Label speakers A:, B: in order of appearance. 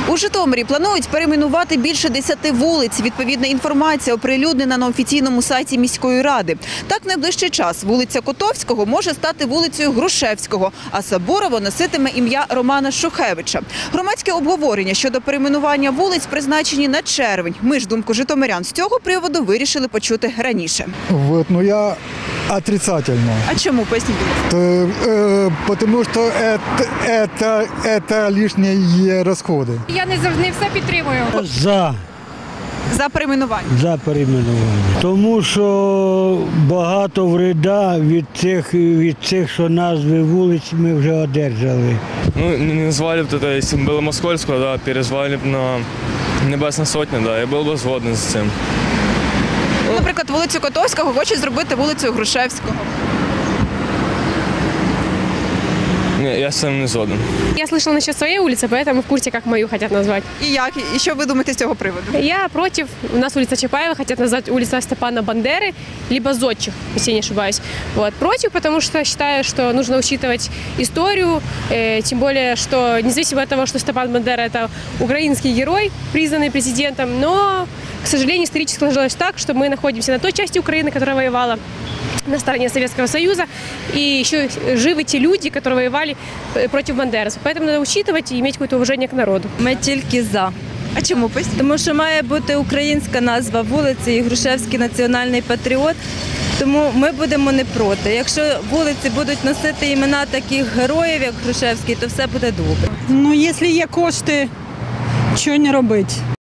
A: У Житомирі планують перейменувати більше 10 вулиць. Відповідна інформація оприлюднена на офіційному сайті міської ради. Так, в найближчий час вулиця Котовського може стати вулицею Грушевського, а Сабурова носитиме ім'я Романа Шухевича. Громадське обговорення щодо перейменування вулиць призначені на червень. Ми ж думку житомирян з цього приводу вирішили почути раніше.
B: Я отрицательно.
A: А чому? Поясніть, будь ласка.
B: Потому что это лишние расходы.
C: Я не завжди все підтримую.
A: За перейменування.
D: За перейменування. Тому що багато вреда від цих, що назви вулиць ми вже одержали.
E: Ну, не назвали б это, если бы было Москольского, да, перезвали б на Небесна Сотня, да, я був би згоден з цим.
A: Наприклад, вулицю Котовського хочуть зробити вулицею Грушевського.
E: Ні, я з цим не згоден.
C: Я слышала насчет своей улицы, поэтому в курсе, как мою хотят назвать.
A: І як? І що ви думаєте з цього приводу?
C: Я против. У нас улица Чапаева хотят назвать улица Степана Бандеры, либо Зодчих, если не ошибаюсь. Вот. Против, потому что считаю, что нужно учитывать историю, тем более, что независимо от того, что Степан Бандера – это украинский герой, признанный президентом, но, к сожалению, исторически сложилось так, что мы находимся на той части Украины, которая воевала на стороне Советского Союза, и еще живы те люди, которые воевали против бандеровцев. Поэтому надо учитывать и иметь какое-то уважение к народу.
F: Ми тільки за.
A: А чому? Поясніть.
F: Тому що має бути українська назва вулиці і Грушевський національний патріот. Тому ми будемо не проти. Якщо вулиці будуть носити імена таких героїв, як Грушевський, то все буде добре.
G: Ну, якщо є кошти, що не робити?